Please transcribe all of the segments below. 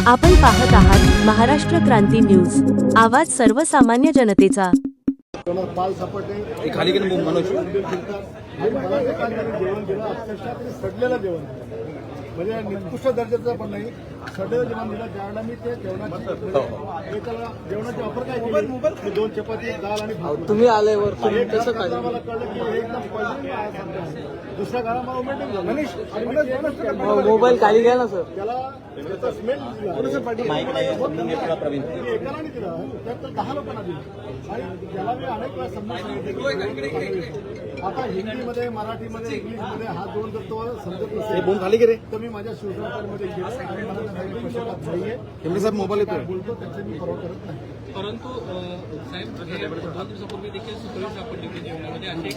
आपण पाहत आहात महाराष्ट्र क्रांती न्यूज, आवाज सर्वसामान्य जनतेचा। पाल सपाटे खाली गेले मनोज मला ते काय जेवण दिलं अक्षरशः ते सडलेलं जेवण म्हणजे निकृष्ट दर्जाचं पण नाही, सडलेलं जेवण दिलं। ज्यावेळेला मी ते जेवणाची ऑफर काय केली, 2 चपाती डाळ आणि भात। तुम्ही आल्यावर कसं काय मला कळलं की हे एकदम पहिली दुसऱ्या घरा मला उमेटिंग झालं। मोबाईल खाली घ्या ना सर। त्याला त्याचा स्मेल एकाला नाही दिला, त्यात 10 लोकांना दिलं आणि त्याला मी अनेक वेळा समजून सांगितलं। आता हिंदीमध्ये, मराठीमध्ये, इंग्लिशमध्ये हा दोन जर तो समजत नसेल खाली गेले तर मी माझ्या शिवसेनेमध्ये गेलो आणि मला त्याचा पश्चाताप नाहीये। एमडी साहेब मोबाईल येतोय बोलतो त्याचे मी परवा करत नाही। परंतु साहेब 2 दिवसापूर्वी देखील सुखोई सापडली होती जेवणामध्ये अशी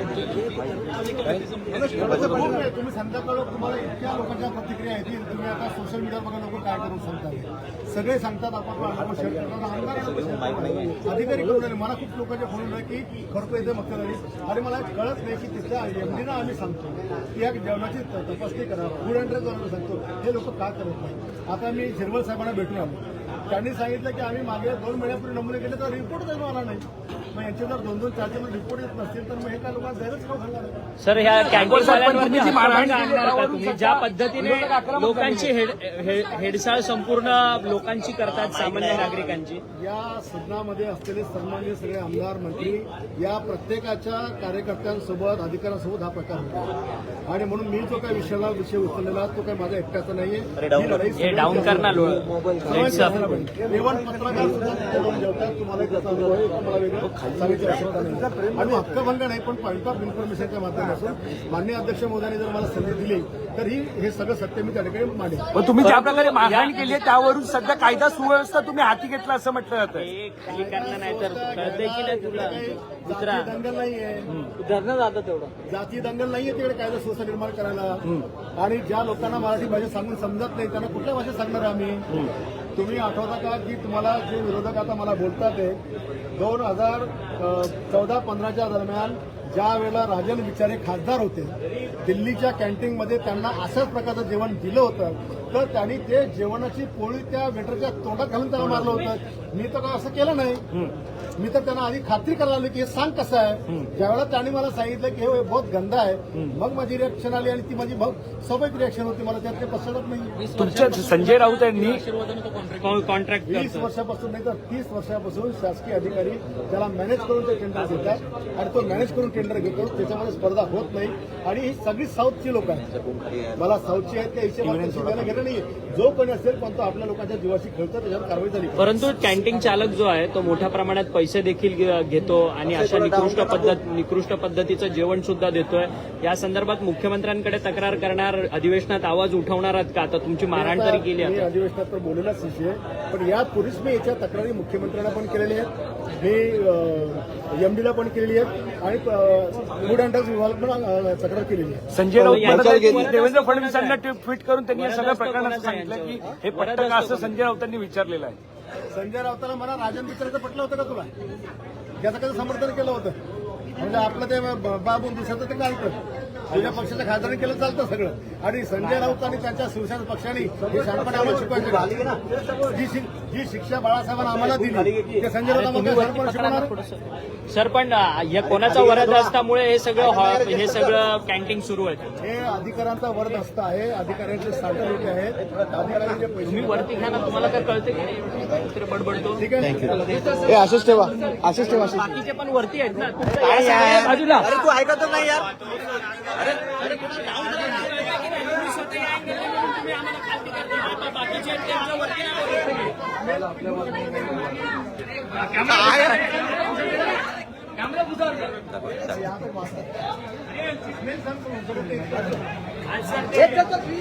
तुम्ही संध्याकाळ तुम्हाला इतक्या लोकांच्या प्रतिक्रिया येतील, तुम्ही आता सोशल मीडियावर बघा लोक काय करून सांगतात, सगळे सांगतात आपण शेअर करतात, आमदार अधिकारी करून राहिले। मला खूप लोकांच्या फोन आले की खरं येते मग आणि मला कळत नाही की तिथल्या एमडीना आम्ही सांगतो की या जेवणाची तपासणी करा, फूड अँड ड्रग सांगतो, हे लोक का करत नाही। आता मी झिरवळ साहेबांना भेटून आलो, त्यांनी सांगितलं की आम्ही मागे 2 महिन्यापूर्वी नमुने केले तर रिपोर्ट जाऊन आला नाही। मग यांचे जर 2-2, 4 रिपोर्ट येत नसतील तर मग हे काय लोकांना गैरच खाऊ घालणार आहे। सर, ह्या कॅन्टीनवाल्यांवरती मारहाण आणणार का तुम्ही? ज्या पद्धतीने लोकांची हेडसाळ संपूर्ण लोकांची करतात, सामान्य नागरिकांची। या सदनामध्ये असलेले सन्माननीय सगळे आमदार, मंत्री या प्रत्येकाच्या कार्यकर्त्यांसोबत, अधिकाऱ्यांसोबत हा प्रकार होतो आणि म्हणून मी जो काही विषय उचललेला तो काही माझ्या एकट्याचा नाहीये। हे डाऊन करणार इव्हन पत्रकार सुद्धा तिथे जेवतात, तुम्हाला त्याचा अनुभव आहे, मला वेगळं सांगायची आवश्यकता नाही आणि हक्कभंग नाही, पण पॉईंट ऑफ इन्फॉर्मेशनच्या माध्यमातून माननीय अध्यक्ष महोदयांनी जर मला संधी दिली तर हे सगळं सत्य मी त्या ठिकाणी मांडेल। पण तुम्ही ज्या प्रकारे मारहाण केली आहे त्यावरून सध्या कायदा सुव्यवस्था तुम्ही हाती घेतला असं म्हटलं जातं। नाही तर कळतंय की नाही तुला? जाती दंगल नाहीये, धरणं जातं तेवढं, जाती दंगल नाहीये तिकडे कायदा सुव्यवस्था निर्माण करायला। आणि ज्या लोकांना मराठी भाषा सांगून समजत नाही त्यांना कुठल्या भाषेत सांगणार आम्ही? तुम्ही आठवता का की तुम्हाला जे विरोधक आता मला बोलतात ते 2014-15च्या दरम्यान ज्या वेळेला राजन विचारे खासदार होते, दिल्लीच्या कॅन्टीनमध्ये त्यांना अशाच प्रकारचं जेवण दिलं होतं तर त्यांनी ते जेवणाची पोळी त्या वेटरच्या तोंडात घालून त्याला मारलं होतं। मी तर काय असं केलं नाही, मी तर त्यांना आधी खात्री करायला लागली की हे सांग कसं आहे। ज्यावेळेला त्यांनी मला सांगितलं की हे बहुत गंदा आहे, मग माझी रिएक्शन आली आणि ती माझी स्वाभाविक रिएक्शन होती, मला त्यात काही पश्चाताप नाही। तुमच्या संजय राऊत यांनी कॉन्ट्रॅक्ट 20 वर्षापासून नाही तर 30 वर्षापासून शासकीय अधिकारी त्याला मॅनेज करून ते टेंडर देतात आणि तो मॅनेज करून टेंडर घेतो, त्याच्यामध्ये स्पर्धा होत नाही आणि ही सगळी साऊथची लोक आहेत। मला साऊथची आहेत त्या हिशेबाने द्यायला घेणं नाही, जो कोणी असेल पण तो आपल्या लोकांच्या जीवाशी खेळतो, त्याच्यावर कारवाई झाली। परंतु कॅन्टीन चालक जो आहे तो मोठ्या प्रमाणात पैसे देखील घेतो आणि अशा निकृष्ट पद्धतीचं जेवण सुद्धा देतोय। या संदर्भात मुख्यमंत्र्यांकडे तक्रार करणार, अधिवेशनात आवाज उठवणार आहात का? आता तुमची मारहाण तरी केली मी आहे, अधिवेशनात तर बोललेलाच विषय, पण यापूर्वीच मी याच्या तक्रारी मुख्यमंत्र्यांना पण केलेल्या आहेत, मी एमडीला पण केलेली आहेत आणि फूड अँड ड्रग्ज विभाग पण तक्रार केलेली आहे। संजय राऊत देवेंद्र फडणवीसांना ट्विट करून त्यांनी या सगळ्या प्रकरणाचं सांगितलं की हे पटतं का असं संजय राऊतांनी विचारलेलं आहे। संजय राऊताला मला राजन विचारायचं पटलं होतं का तुला? त्याचं कसं समर्थन केलं होतं? म्हणजे आपलं ते बाबून दुसऱ्याचं ते चालतं, तुझ्या पक्षाच्या खासदारांनी केलं चालतं सगळं आणि संजय राऊत आणि त्यांच्या शिवसेना पक्षाने हे शांतपणे आम्हाला शिकवायचं। जी शिक्षा बाळासाहेबांना आम्हाला दिली ते संजय राऊत आम्हाला शिकवणार। सर, पण या कोणाचा वरद असल्यामुळे हे सगळं कॅन्टीन सुरू आहे? हे अधिकाऱ्यांचा वरद हस्त आहे, अधिकाऱ्यांचे साठे लोक आहेत, अधिकाऱ्यांचे पैसे। तुम्ही वरती घ्या ना, तुम्हाला काय कळते की बडबडतो? ठीक आहे, आशिष ठेवा, आशिष ठेवा। बाकीचे पण वरती आहेत ना, बाजूला। अरे तू ऐकत नाही यार।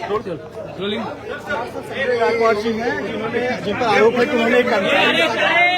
जिन पर आरोप है कि उन्होंने